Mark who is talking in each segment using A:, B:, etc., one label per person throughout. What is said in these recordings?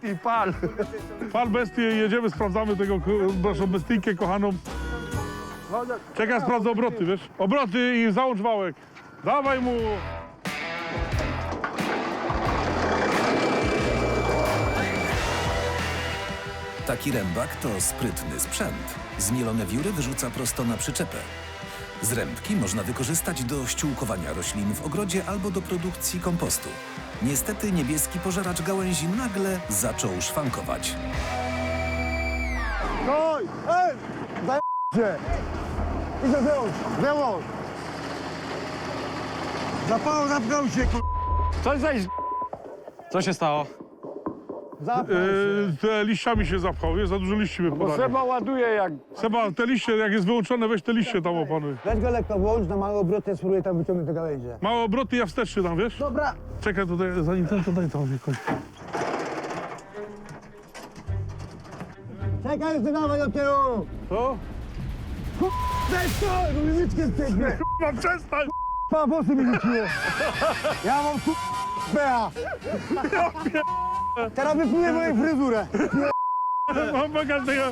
A: bestii, pal.
B: Pal bestię i jedziemy, sprawdzamy tego, naszą bestyjkę kochaną. Czekaj, sprawdzę obroty, wiesz? Obroty i załącz wałek. Dawaj mu!
C: Taki rębak to sprytny sprzęt. Zmielone wióry wyrzuca prosto na przyczepę. Z rębki można wykorzystać do ściółkowania roślin w ogrodzie albo do produkcji kompostu. Niestety niebieski pożeracz gałęzi nagle zaczął szwankować.
D: Oj! Ej! Zajęcie! Idę wyłącz! Wyłącz! Zapnął się,
A: Coś zaś... Co się stało?
D: Zapnął się.
B: Te liściami się zapchał, jest za dużo liści
A: Bo
B: wypadanie.
A: Seba ładuje jak...
B: Seba, te liście, jak jest wyłączone, weź te liście tam opanuj.
D: Weź go lekko włącz, na małe obroty, spróbuję tam wyciągnąć te gałęzie.
B: Małe obroty, ja wsteczny tam, wiesz?
D: Dobra!
B: Czekaj tutaj, zanim ten, to daj tam jakoś.
D: Czekaj, jeszcze dawaj do tyłu!
B: Co?
D: Weź to! Bo mi łyczkę strzegnie!
B: Mam przestań!
D: Pa, włosy mi rzuciło! Ja mam bea! Teraz wypluję moją fryzurę!
B: Mam bagażnego.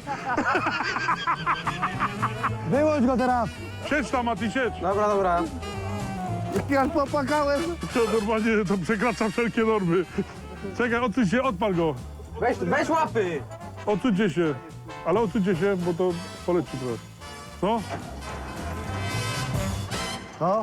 D: Wyłącz go teraz!
B: Siedź tam, Mati, siedź.
A: Dobra, dobra.
D: Ja już popłakałem!
B: To normalnie to przekracza wszelkie normy. Czekaj, odsuń się, odpal go.
A: Weź łapy!
B: Odsuńcie się. Ale odsuńcie się, bo to poleci trochę. No,
D: No?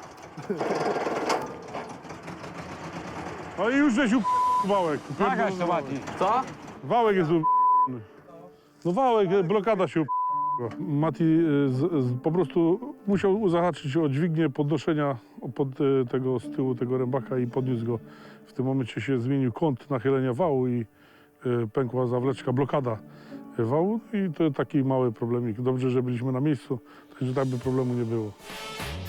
B: no i już żeś wałek.
A: Nagaś to Mati. Co?
B: Wałek jest No wałek, blokada się Mati po prostu musiał zahaczyć o dźwignię podnoszenia tego z tyłu tego rębaka i podniósł go. W tym momencie się zmienił kąt nachylenia wału i pękła zawleczka, blokada wału i to taki mały problemik. Dobrze, że byliśmy na miejscu, także tak by problemu nie było.